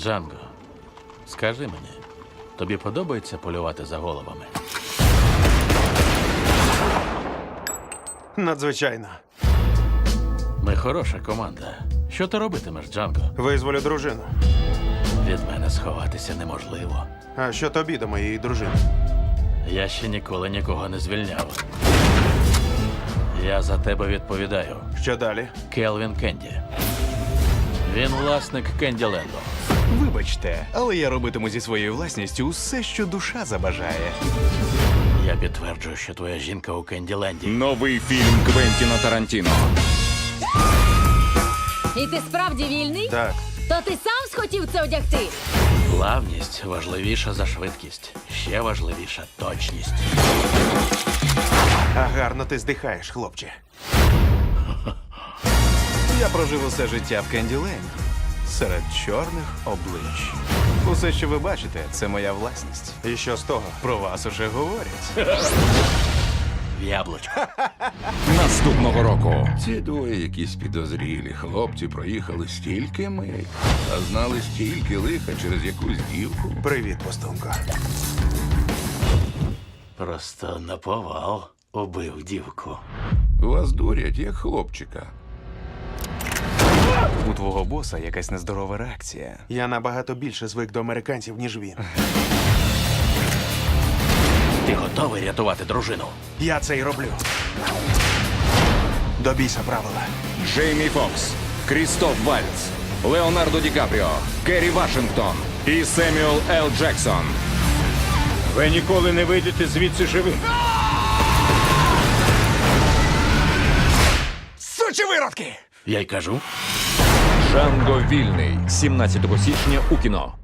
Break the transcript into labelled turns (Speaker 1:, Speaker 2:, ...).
Speaker 1: Джанго, скажи мені, тобі подобається полювати за головами?
Speaker 2: Надзвичайно.
Speaker 1: Ми хороша команда. Що ти робитимеш, Джанго?
Speaker 2: Визволю дружину.
Speaker 1: Від мене сховатися неможливо.
Speaker 2: А що тобі до моєї дружини?
Speaker 1: Я ще ніколи нікого не звільняв. Я за тебе відповідаю.
Speaker 2: Що далі?
Speaker 1: Келвін Кенді. Він власник Кенділенду.
Speaker 3: Вибачте, але я робитиму зі своєю власністю усе, що душа забажає.
Speaker 1: Я підтверджую, що твоя жінка у Кенділенді.
Speaker 4: Новий фільм Квентіна Тарантіно.
Speaker 5: І ти справді вільний?
Speaker 2: Так.
Speaker 5: То ти сам схотів це одягти?
Speaker 1: Плавність важливіша за швидкість. Ще важливіша точність.
Speaker 2: А гарно ти здихаєш, хлопче.
Speaker 3: Я прожив усе життя в Кенділенді. Серед чорних облич. Усе, що ви бачите, це моя власність.
Speaker 2: І що з того?
Speaker 3: Про вас уже говорять.
Speaker 1: В яблучко.
Speaker 4: Наступного року.
Speaker 6: Ці двоє якісь підозрілі хлопці проїхали стільки миль, а знали стільки лиха через якусь дівку.
Speaker 2: Привіт, постунко.
Speaker 1: Просто наповал убив дівку.
Speaker 6: Вас дурять, як хлопчика.
Speaker 3: У твого боса якась нездорова реакція.
Speaker 2: Я набагато більше звик до американців, ніж він.
Speaker 1: Ти готовий рятувати дружину?
Speaker 2: Я це й роблю. До біса правила.
Speaker 4: Джеймі Фокс, Крістоф Вальц, Леонардо Ді Капріо, Керрі Вашингтон і Семюел Л. Джексон.
Speaker 7: Ви ніколи не вийдете звідси живим.
Speaker 3: Сучі виродки!
Speaker 1: Я й кажу.
Speaker 4: Джанго вільний. 17 січня у кіно.